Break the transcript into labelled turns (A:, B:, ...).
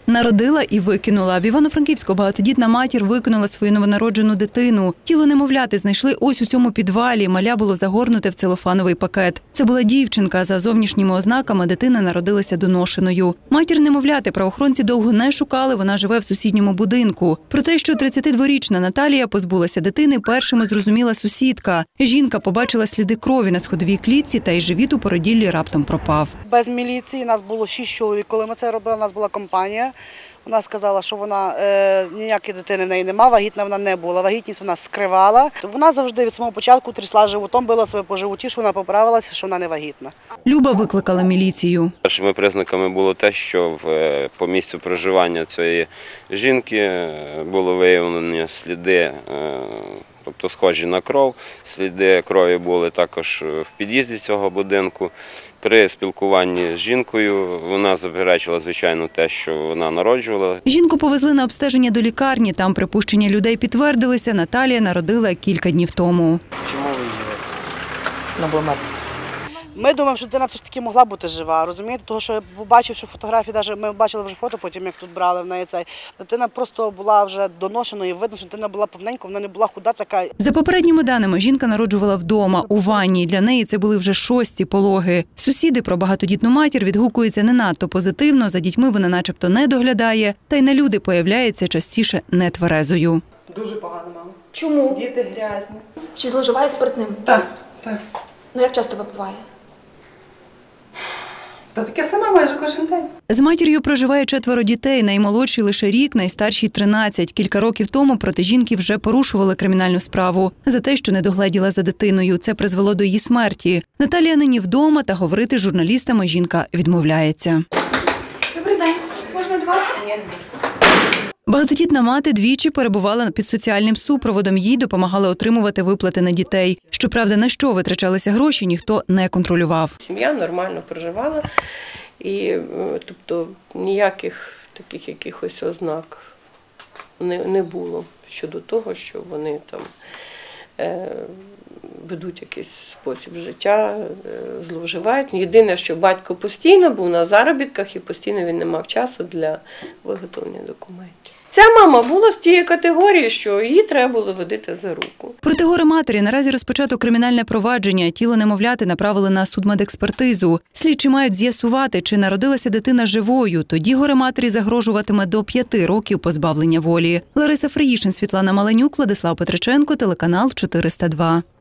A: Народила і викинула. В Івано-Франківську багатодітна матір викинула свою новонароджену дитину. Тіло немовляти знайшли ось у цьому підвалі. Маля було загорнуте в целофановий пакет. Це була дівчинка. За зовнішніми ознаками дитина народилася доношеною. Матір немовляти правоохоронці довго не шукали, вона живе в сусідньому будинку. Про те, що 32-річна Наталія позбулася дитини, першими зрозуміла сусідка. Жінка побачила сліди крові на сходовій клітці та й живіт у породіллі раптом пропав.
B: Без міліції нас було 6 чоловік, коли ми це робили, у нас була компанія. Вона сказала, що вона ніякої дитини в неї немає, вагітна вона не була, вагітність вона скривала. Вона завжди від самого початку трясла животом, била себе по животі, що вона поправилася, що вона не вагітна.
A: Люба викликала міліцію.
C: Першими признаками було те, що по місцю проживання цієї жінки було виявлені сліди, тобто схожі на кров. Сліди крові були також в під'їзді цього будинку. При спілкуванні з жінкою вона заперечила, звичайно, те, що вона народжувала.
A: Жінку повезли на обстеження до лікарні. Там припущення людей підтвердилися. Наталія народила кілька днів тому.
D: Чому ви її викинули?
B: Ми думаємо, що дитина все ж таки могла бути жива, розумієте? Тому що я побачив, що фотографії, навіть ми бачили вже фото потім, як тут брали в неї цей. Дитина просто була вже доношеною, видно, що дитина була повненька, вона не була худа така.
A: За попередніми даними, жінка народжувала вдома, у ванні. Для неї це були вже 6-ті пологи. Сусіди про багатодітну матір відгукуються не надто позитивно, за дітьми вона начебто не доглядає, та й на люди появляється частіше нетверезою.
E: Дуже погано, мама.
F: Чому?
E: Діти грязні.
F: Чи зловживає спиртним?
E: Так, так.
F: Ну як часто випиває?
E: Та таке саме майже кожен день.
A: З матір'ю проживає 4 дітей, наймолодший лише рік, найстарший – 13. Кілька років тому проти жінки вже порушували кримінальну справу за те, що не догледіла за дитиною. Це призвело до її смерті. Наталія нині вдома, та говорити з журналістами жінка відмовляється.
F: Добрий день. Можна до вас?
A: Багатодітна мати двічі перебувала під соціальним супроводом. Їй допомагали отримувати виплати на дітей. Щоправда, на що витрачалися гроші, ніхто не контролював.
G: Сім'я нормально проживала, і тобто ніяких таких якихось ознак не було щодо того, що вони там ведуть якийсь спосіб життя, зловживають. Єдине, що батько постійно був на заробітках і постійно він не мав часу для виготовлення документів. Ця мама була з тієї категорії, що її треба було водити за руку.
A: Проти горе-матері наразі розпочато кримінальне провадження. Тіло немовляти направили на судмедекспертизу. Слідчі мають з'ясувати, чи народилася дитина живою. Тоді горе-матері загрожуватиме до 5 років позбавлення волі. Лариса Фриїшин, Світлана Маленюк, Владислав Петриченко, телеканал 402.